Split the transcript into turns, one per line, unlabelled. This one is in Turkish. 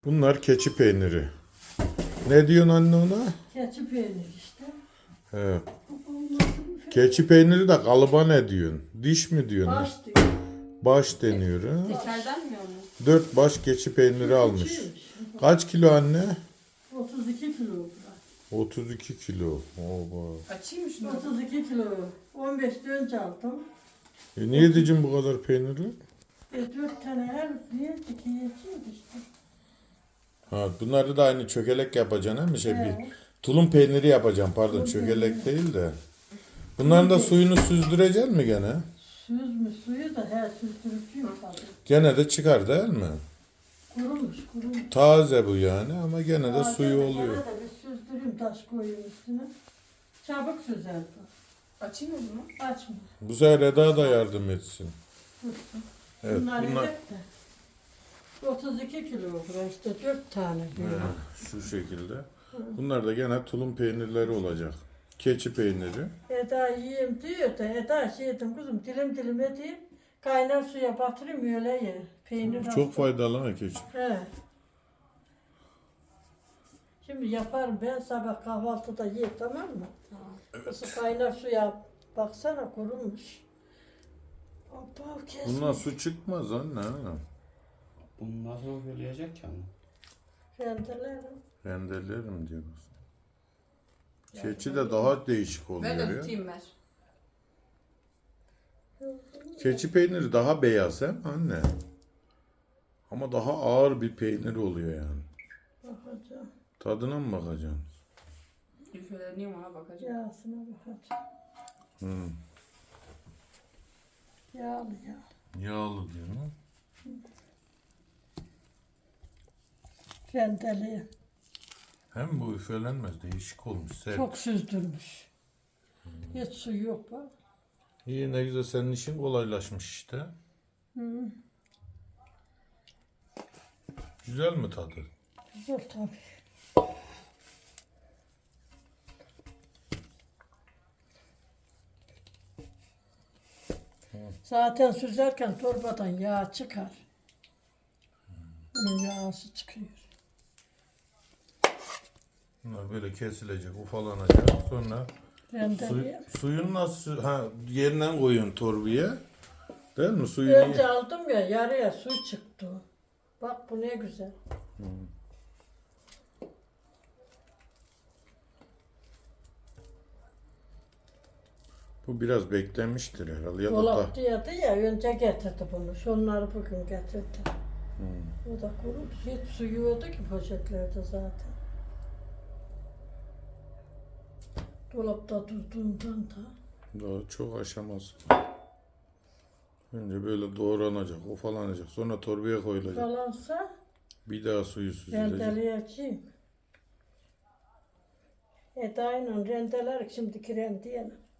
Bunlar keçi peyniri. Ne diyorsun anne ona?
Keçi peyniri işte.
He. Keçi peyniri de kalıba ne diyorsun? Diş mi diyorsun?
Baş diyor.
Baş deniyor ha.
Geçerden mi onu?
4 baş keçi peyniri almış. Kaç kilo anne?
32 kilo.
32 kilo. Oba.
Açayım mı şunu?
32 kilo. 15 önce aldım.
Niye diyeceğim bu kadar peyniri?
4 tane her bir iki yetiyordu işte.
Ha, bunları da aynı çökelek yapacaksın he mi?
He.
Bir tulum peyniri yapacağım pardon,
Tulum
çökelek
peyniri.
değil de. Bunların da suyunu süzdüreceksin mi gene?
Suyu da her süzdürücüyüm tabii.
Gene de çıkar değil mi?
Kurumuş.
Taze bu yani ama gene de suyu
Gene
oluyor.
de bir süzdüreyim, taş koyayım üstüne. Çabuk süzer bu.
Açayım mı bunu?
Açma.
Bu sefer Eda da yardım etsin. Evet,
Bunlar
bunlar
yedek de. 32 kilo olur işte 4 tane diyor.
şu şekilde. Bunlar da gene tulum peynirleri olacak. Keçi peyniri.
Eda yiyeyim diyor da Eda şey dedim kızım dilim dilim edeyim. Kaynar suya batırayım öyle ye. Peynir
Çok
hasta.
faydalı ha keçi.
He. Şimdi yaparım ben sabah kahvaltıda ye tamam mı? Evet. Kaynar suya baksana kurumuş. Hoppa kesmiş.
Bundan su çıkmaz anne.
Bunu nasıl söyleyecek ki ama?
Rendelerim.
Rendelerim diyoruz. Keçi de daha değişik
Ver
oluyor
de
ya.
tutayım ver.
Keçi peyniri daha beyaz hem anne. Ama daha ağır bir peynir oluyor yani.
Bakacağım.
Tadına mı bakacaksın?
Üfeleneyim ona bakacağım.
Yağsına bakacağım.
Hı.
Yağlı ya.
Yağlı diyor mu?
Rendeleyim.
Hem bu üfelenmez, değişik olmuş. Sert.
Çok süzdürmüş. Hiç suyu yok bak.
İyi, ne güzel, senin işin kolaylaşmış işte.
Hı.
Güzel mi tadı?
Güzel tabii. Zaten süzerken torbadan yağ çıkar. Bunun yağısı çıkıyor.
Bunlar böyle kesilecek, ufalanacak. Sonra
Rendeleyeyim.
suyun nasıl, yerinden koyuyorsun torbaya. Değil mi? Suyunu
Önce aldım ya yarıya su çıktı. Bak bu ne güzel.
bu biraz beklemiştir herhalde. Ya da
Dolapta yadı ya önce getirdi bunu. Şunları bugün getirdi. O da kurumuş. Hiç suyu yoktu ki poşetlerde zaten. Dolapta tuttuğundan da.
daha çok aşaması. Önce böyle doğranacak, ufalanacak. Sonra torbaya koyulacak.
Kalansa
Bir daha suyu süzülecek.
rendeleyeceğim. Eda'yla rendeler şimdiki rendeyelim.